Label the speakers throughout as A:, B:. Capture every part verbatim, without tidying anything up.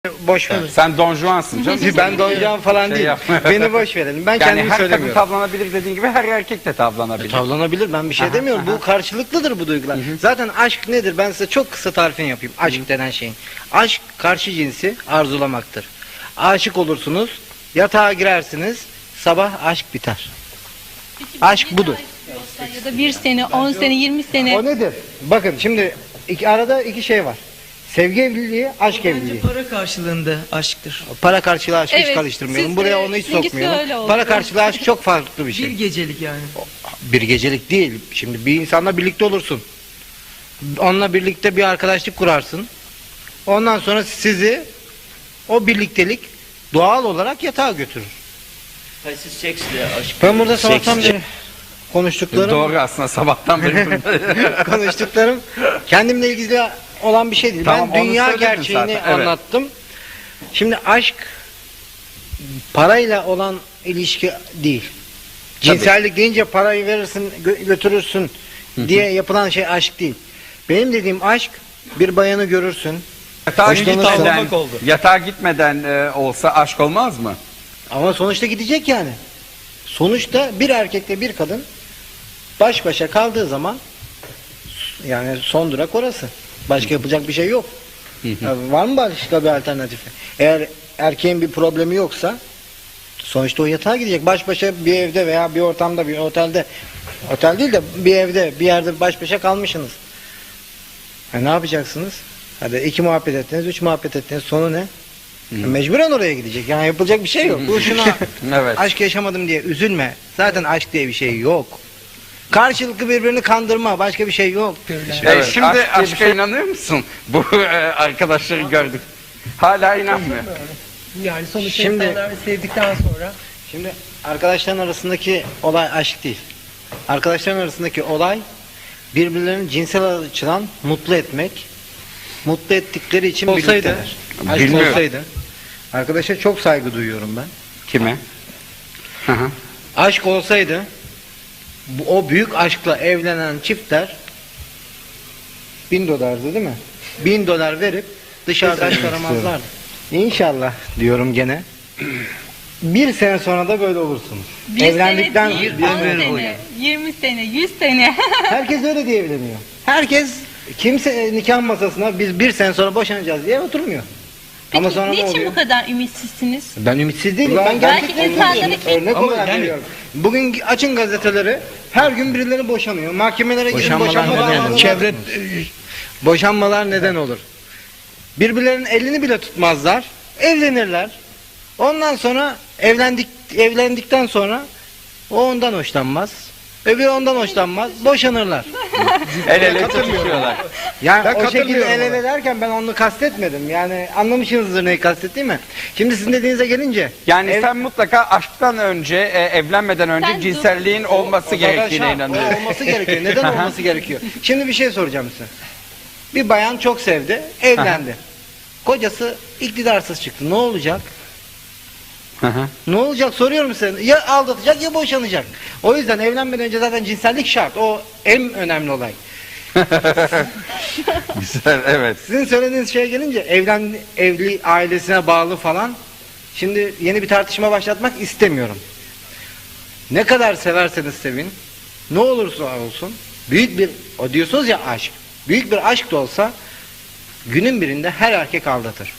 A: Boş verin.
B: Sen Don Juan'sın canım.
A: Ben Don Juan falan
B: Şey
A: değil.
B: yapma.
A: Beni boş verelim. Ben
B: Yani
A: kendimi
B: her kadın
A: söylemiyorum.
B: tavlanabilir dediğin gibi her erkek de tavlanabilir.
A: Tavlanabilir, ben bir şey
B: Aha,
A: demiyorum.
B: aha.
A: Bu karşılıklıdır bu duygular. Zaten aşk nedir? Ben size çok kısa tarifini yapayım. Aşk denen şeyin. Aşk karşı cinsi arzulamaktır. Aşık olursunuz, yatağa girersiniz, sabah aşk biter. Aşk budur.
C: Ya da bir sene, on sene, yirmi sene.
A: O nedir? Bakın şimdi iki, arada iki şey var. Sevgi evliliği, aşk
D: Bence
A: evliliği.
D: para karşılığında aşktır.
A: Para karşılığı aşkı hiç
C: Evet,
A: karıştırmayalım.
C: siz,
A: Buraya
C: e,
A: onu hiç
C: sizinkisi öyle
A: sokmayalım.
C: oldu.
A: Para karşılığı aşk çok farklı bir şey.
D: Bir gecelik yani.
A: Bir gecelik değil. Şimdi bir insanla birlikte olursun. Onunla birlikte bir arkadaşlık kurarsın. Ondan sonra sizi o birliktelik doğal olarak yatağa götürür.
E: Siz seksle aşk.
A: Ben burada sabahtan beri konuştuklarım,
B: Doğru aslında sabahtan beri.
A: konuştuklarım kendimle ilgili olan bir şey değil.
B: Tamam,
A: Ben
B: onu
A: dünya
B: söyledin
A: gerçeğini
B: zaten, evet.
A: anlattım. Şimdi aşk parayla olan ilişki değil. Cinsellik deyince parayı verirsin, gö- götürürsün diye yapılan şey aşk değil. Benim dediğim aşk, bir bayanı görürsün.
B: Yatağa
A: Hoşlanırsın.
B: gitmeden,
D: Tavlamak oldu.
B: yatağa gitmeden e, olsa aşk olmaz mı?
A: Ama sonuçta gidecek yani. Sonuçta bir erkekle bir kadın baş başa kaldığı zaman yani son durak orası. Başka yapacak bir şey yok. Ya var mı başka bir alternatifi? Eğer erkeğin bir problemi yoksa sonuçta o yatağa gidecek. Baş başa bir evde veya bir ortamda, bir otelde, otel değil de bir evde, bir yerde baş başa kalmışsınız. E ne yapacaksınız? Hadi iki muhabbet ettiniz, üç muhabbet ettiniz. Sonu ne? E mecburen oraya gidecek. Yani yapılacak bir şey yok. Bu şuna
B: Evet.
A: aşk yaşamadım diye üzülme. Zaten aşk diye bir şey yok. Karşılıklı birbirini kandırma. Başka bir şey yok.
B: E, şimdi
A: aşk diye bir
B: aşka
A: şey-
B: inanıyor musun? Bu e, arkadaşları gördük. Hala inanmıyor.
D: Yani sonuçta
A: Şimdi-
D: insanlar sevdikten sonra
A: Şimdi arkadaşların arasındaki olay aşk değil. Arkadaşların arasındaki olay birbirlerini cinsel açıdan mutlu etmek. Mutlu ettikleri için
B: Olsaydı,
A: birlikteler. Aşk
B: bilmiyorum.
A: olsaydı. Arkadaşa çok saygı duyuyorum ben.
B: Kime? Hı hı.
A: Aşk olsaydı bu, o büyük aşkla evlenen çiftler bin dolardı değil mi? Bin dolar verip dışarıda aşk aramazlardı. İnşallah diyorum gene. Bir sene sonra da böyle olursunuz.
C: Bir
A: Evlendikten
C: sene,
A: bir
C: değil, on
A: ömür boyu.
C: sene, yirmi sene, yüz sene.
A: Herkes öyle diye evleniyor. Herkes kimse e, nikah masasına biz bir sene sonra boşanacağız diye oturmuyor.
C: Peki
A: Ama sonra ne
C: niçin
A: oluyor?
C: bu kadar ümitsizsiniz?
A: Ben ümitsiz değilim. Ben
C: Belki
A: gerçekten
C: insanların
A: ümitsizim.
C: ki-
A: Örnek
D: Ama
A: olarak
D: yani-
A: veriyorum. Bugün açın gazeteleri, her gün birileri boşanıyor. Mahkemelere gidin,
F: Boşanmalar
A: boşanmalar
F: neden
A: olur.
F: olur?
A: Çevre boşanmalar neden olur? Birbirlerinin elini bile tutmazlar. Evlenirler. Ondan sonra evlendik evlendikten sonra o ondan hoşlanmaz. Öbürü ondan hoşlanmaz. Boşanırlar.
B: El ele tutuşuyorlar.
A: Yani
F: Ben
A: o şekilde
F: katılmıyorum
A: el ele
F: ona.
A: derken ben onu kastetmedim. Yani anlamışsınızdır neyi kastettiğimi. Şimdi sizin dediğinize gelince.
B: Yani
A: ev-
B: sen mutlaka aşktan önce, e, evlenmeden önce
C: Sen
B: cinselliğin olması
A: O zaten
B: gerektiğine
A: şart.
B: inanıyorsun.
A: O olması gerekiyor. Neden olması gerekiyor? Şimdi bir şey soracağım size. Bir bayan çok sevdi, evlendi. Kocası iktidarsız çıktı. Ne olacak?
B: Hı hı.
A: Ne olacak soruyorum size. Ya aldatacak ya boşanacak. O yüzden evlenmeden önce zaten cinsellik şart. O en önemli olay.
B: Güzel, evet.
A: Sizin söylediğiniz şeye gelince evlen evli ailesine bağlı falan. Şimdi yeni bir tartışma başlatmak istemiyorum. Ne kadar severseniz sevin, ne olursa olsun büyük bir o diyorsunuz ya aşk. Büyük bir aşk da olsa günün birinde her erkek aldatır.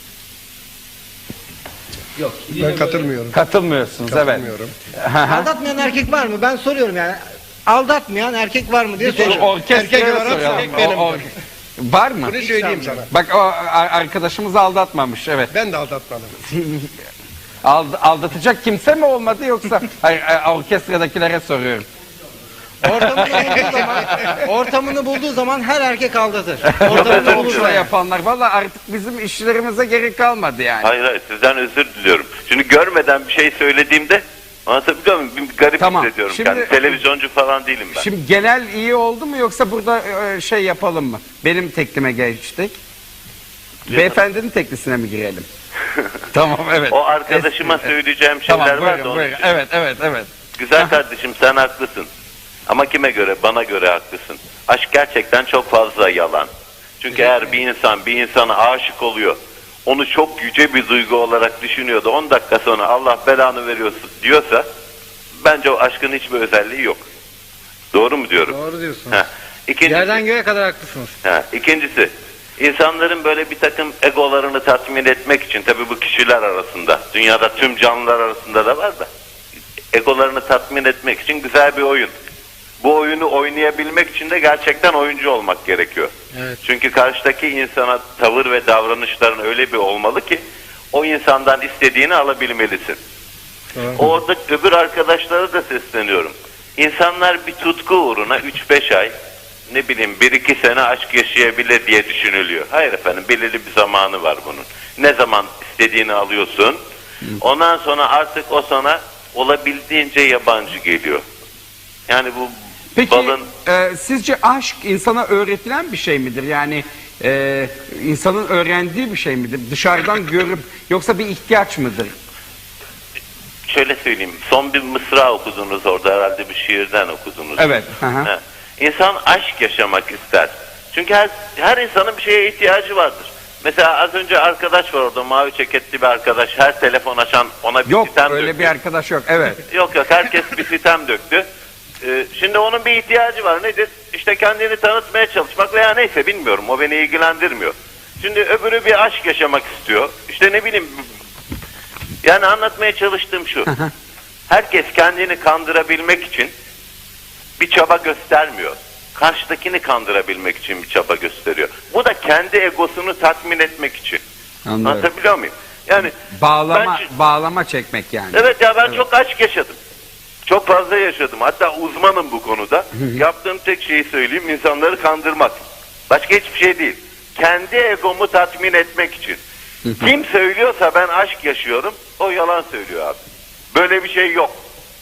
F: Ben katılmıyorum.
B: Katılmıyorsunuz,
F: Katılmıyorum.
B: evet. Hı hı.
A: Aldatmayan erkek var mı? Ben soruyorum yani. Aldatmayan erkek var mı diye
B: Or-
A: soruyorum.
B: Orkestraya
F: Erkek olarak
B: soralım.
F: erkek benim.
B: O- o- Var mı?
F: Bunu söyleyeyim sana.
B: Bak o a- arkadaşımız aldatmamış, evet.
F: Ben de aldatmadım.
B: Ald- aldatacak kimse mi olmadı yoksa? Hayır, e, orkestradakilere soruyorum.
A: Ortamını bulduğu zaman, ortamını bulduğu zaman her erkek aldatır. Ortamını
B: Ortamda
A: bulursa.
B: yapanlar. Valla artık bizim işlerimize gerek kalmadı yani.
E: Hayır hayır sizden özür diliyorum. Çünkü görmeden bir şey söylediğimde anlatabiliyor muyum? Bir garip
B: Tamam,
E: hissediyorum.
B: şimdi-
E: Yani televizyoncu falan değilim ben.
B: Şimdi genel iyi oldu mu yoksa burada e, şey yapalım mı? Benim teklime geçtik. Beyefendinin teklisine mi girelim? Tamam, evet.
E: O arkadaşıma
B: Es-
E: söyleyeceğim şeyler
B: Tamam,
E: var da
B: buyurun,
E: onun
B: buyurun.
E: için.
B: Evet, evet, evet.
E: Güzel kardeşim sen haklısın. Ama kime göre? Bana göre haklısın. Aşk gerçekten çok fazla yalan. Çünkü eğer bir insan bir insana aşık oluyor, onu çok yüce bir duygu olarak düşünüyordu. on dakika sonra Allah belanı veriyorsun diyorsa bence o aşkın hiçbir özelliği yok. Doğru mu diyorum?
A: Doğru diyorsunuz.
E: Ha. İkincisi,
A: Yerden göğe kadar haklısınız.
E: ha, ikincisi, insanların böyle bir takım egolarını tatmin etmek için, tabii bu kişiler arasında, dünyada tüm canlılar arasında da var da, egolarını tatmin etmek için güzel bir oyun. Bu oyunu oynayabilmek için de gerçekten oyuncu olmak gerekiyor.
A: Evet.
E: Çünkü karşıdaki insana tavır ve davranışların öyle bir olmalı ki o insandan istediğini alabilmelisin.
A: Doğru.
E: Orada öbür arkadaşlara da sesleniyorum. İnsanlar bir tutku uğruna üç beş ay, ne bileyim bir iki sene aşk yaşayabilir diye düşünülüyor. Hayır efendim, belirli bir zamanı var bunun. Ne zaman istediğini alıyorsun, ondan sonra artık o sana olabildiğince yabancı geliyor. Yani bu
B: Peki
E: balın...
B: e, sizce aşk insana öğretilen bir şey midir? Yani e, insanın öğrendiği bir şey midir? Dışarıdan görüp, yoksa bir ihtiyaç mıdır?
E: Şöyle söyleyeyim, son bir mısra okudunuz orada, herhalde bir şiirden okudunuz.
B: Evet. Hı hı.
E: Ha. İnsan aşk yaşamak ister. Çünkü her, her insanın bir şeye ihtiyacı vardır. Mesela az önce arkadaş var orada, mavi ceketli bir arkadaş, her telefon açan ona bir
B: Yok,
E: sitem
B: öyle
E: döktü.
B: bir arkadaş yok. Evet.
E: Yok yok, herkes bir sitem döktü. Ee, şimdi onun bir ihtiyacı var, nedir? İşte kendini tanıtmaya çalışmak veya neyse, bilmiyorum, o beni ilgilendirmiyor. Şimdi öbürü bir aşk yaşamak istiyor. İşte ne bileyim, yani anlatmaya çalıştığım şu. Herkes kendini kandırabilmek için bir çaba göstermiyor. Karşıdakini kandırabilmek için bir çaba gösteriyor. Bu da kendi egosunu tatmin etmek için.
B: Anladım.
E: Anlatabiliyor muyum? Yani
B: Bağlama,
E: ben-
B: bağlama çekmek yani.
E: evet ya, ben çok aşk yaşadım. Çok fazla yaşadım. Hatta uzmanım bu konuda. Yaptığım tek şeyi söyleyeyim, insanları kandırmak. Başka hiçbir şey değil. Kendi egomu tatmin etmek için. Kim söylüyorsa ben aşk yaşıyorum, o yalan söylüyor abi. Böyle bir şey yok.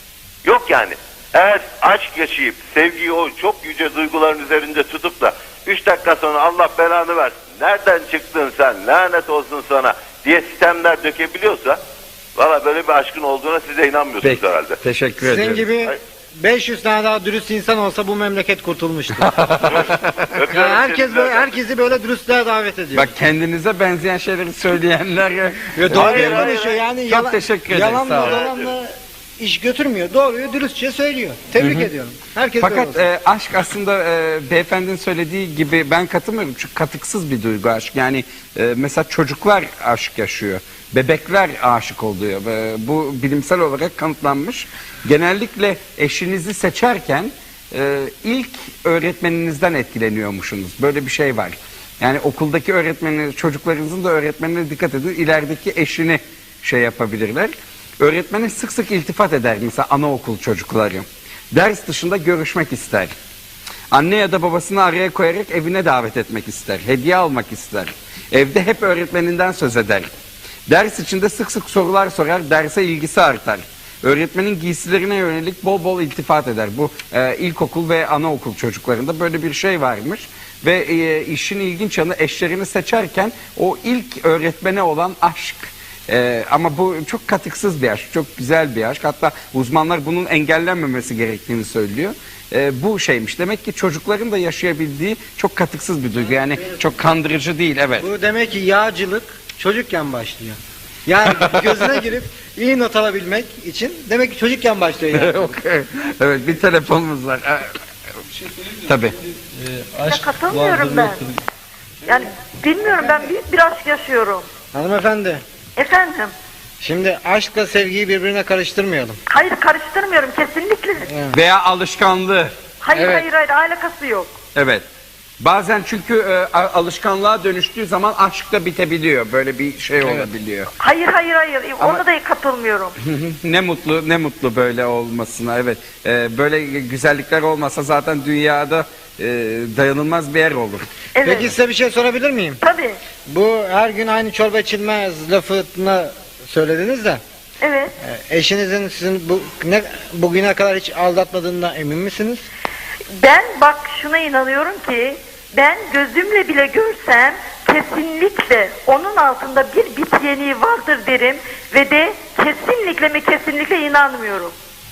E: Yok yani. Eğer aşk yaşayıp sevgiyi o çok yüce duyguların üzerinde tutup da üç dakika sonra Allah belanı versin, nereden çıktın sen, lanet olsun sana diye sistemler dökebiliyorsa, valla böyle bir aşkın olduğuna siz de inanmıyorsunuz
B: Peki,
E: herhalde.
B: teşekkür
A: Sizin
B: ederim.
A: gibi beş yüz tane daha dürüst insan olsa bu memleket kurtulmuştu.
E: Öpüyorum
A: Yani herkes
E: seni
A: böyle,
E: de.
A: herkesi böyle dürüstlüğe davet ediyor.
B: Bak, kendinize benzeyen şeyleri söyleyenler...
A: Ve doğruyu
E: Hayır, hayır,
A: konuşuyor yani.
B: Çok
A: yalan,
B: teşekkür ederim,
A: Yalanla
B: sağ olun.
A: dolanla iş götürmüyor. Doğruyu dürüstçe söylüyor. Tebrik ediyorum. Herkes böyle
B: Fakat
A: olsun.
B: e, aşk aslında e, beyefendinin söylediği gibi ben katılmıyorum. Çünkü katıksız bir duygu aşk. Yani e, mesela çocuklar aşk yaşıyor. Bebekler aşık oluyor. E, bu bilimsel olarak kanıtlanmış. Genellikle eşinizi seçerken e, ilk öğretmeninizden etkileniyormuşsunuz. Böyle bir şey var. Yani okuldaki öğretmeniniz, çocuklarınızın da öğretmenine dikkat edin. İlerideki eşini şey yapabilirler. Öğretmene sık sık iltifat eder mesela anaokul çocukları. Ders dışında görüşmek ister. Anne ya da babasını araya koyarak evine davet etmek ister. Hediye almak ister. Evde hep öğretmeninden söz eder. Ders içinde sık sık sorular sorar, derse ilgisi artar. Öğretmenin giysilerine yönelik bol bol iltifat eder. Bu e, ilkokul ve anaokul çocuklarında böyle bir şey varmış. Ve e, işin ilginç yanı, eşlerini seçerken o ilk öğretmene olan aşk. Ee, ama bu çok katıksız bir aşk, çok güzel bir aşk. Hatta uzmanlar bunun engellenmemesi gerektiğini söylüyor. Ee, bu şeymiş. Demek ki çocukların da yaşayabildiği çok katıksız bir duygu. Yani çok kandırıcı değil, evet.
A: Bu demek ki yağcılık çocukken başlıyor. Yani gözüne girip iyi not alabilmek için demek ki çocukken başlıyor yani.
B: Okay. Evet, bir telefonumuz var. Ee, Tabii.
G: Ya katılmıyorum ben. Yani bilmiyorum, ben büyük bir aşk yaşıyorum.
A: Hanımefendi,
G: Efendim?
A: şimdi aşkla sevgiyi birbirine karıştırmayalım.
G: Hayır, karıştırmıyorum kesinlikle.
B: Veya alışkanlığı.
G: Hayır
A: Evet.
G: hayır hayır, alakası yok.
B: Evet. Bazen çünkü e, a- alışkanlığa dönüştüğü zaman aşk da bitebiliyor. Böyle bir şey olabiliyor.
G: Hayır hayır hayır,
B: Ama-
G: ona da katılmıyorum.
B: Ne mutlu, ne mutlu böyle olmasına. Evet. Ee, böyle güzellikler olmasa zaten dünyada e, dayanılmaz bir yer olur.
G: Evet.
A: Peki size bir şey sorabilir miyim?
G: Tabii.
A: Bu her gün aynı çorba içilmez lafını söylediniz de
G: Evet.
A: e, eşinizin sizin bu ne bugüne kadar hiç aldatmadığından emin misiniz?
G: Ben bak şuna inanıyorum ki, ben gözümle bile görsem kesinlikle onun altında bir bit yeniği vardır derim ve de kesinlikle mi kesinlikle inanmıyorum.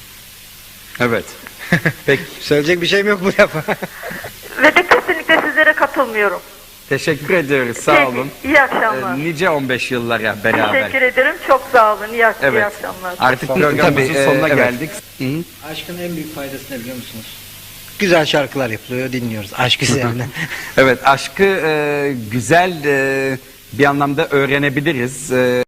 B: Evet. Peki.
A: Söyleyecek bir şeyim yok bu lafa.
G: Ve de kesinlikle sizlere katılmıyorum.
B: Teşekkür ediyoruz. Sağ
G: Peki,
B: olun.
G: iyi akşamlar.
B: Ee, nice on beş yıllara beraber.
G: Teşekkür ederim. Çok sağ olun. İyi, ak- iyi
B: Evet.
G: akşamlar.
B: Artık
A: Tabii,
B: programımızın
A: e,
B: sonuna
A: evet.
B: geldik. Hı hı.
A: Aşkın en büyük faydası ne biliyor musunuz? Güzel şarkılar yapılıyor, dinliyoruz. Aşk üzerine.
B: Evet, aşkı e, güzel e, bir anlamda öğrenebiliriz. E,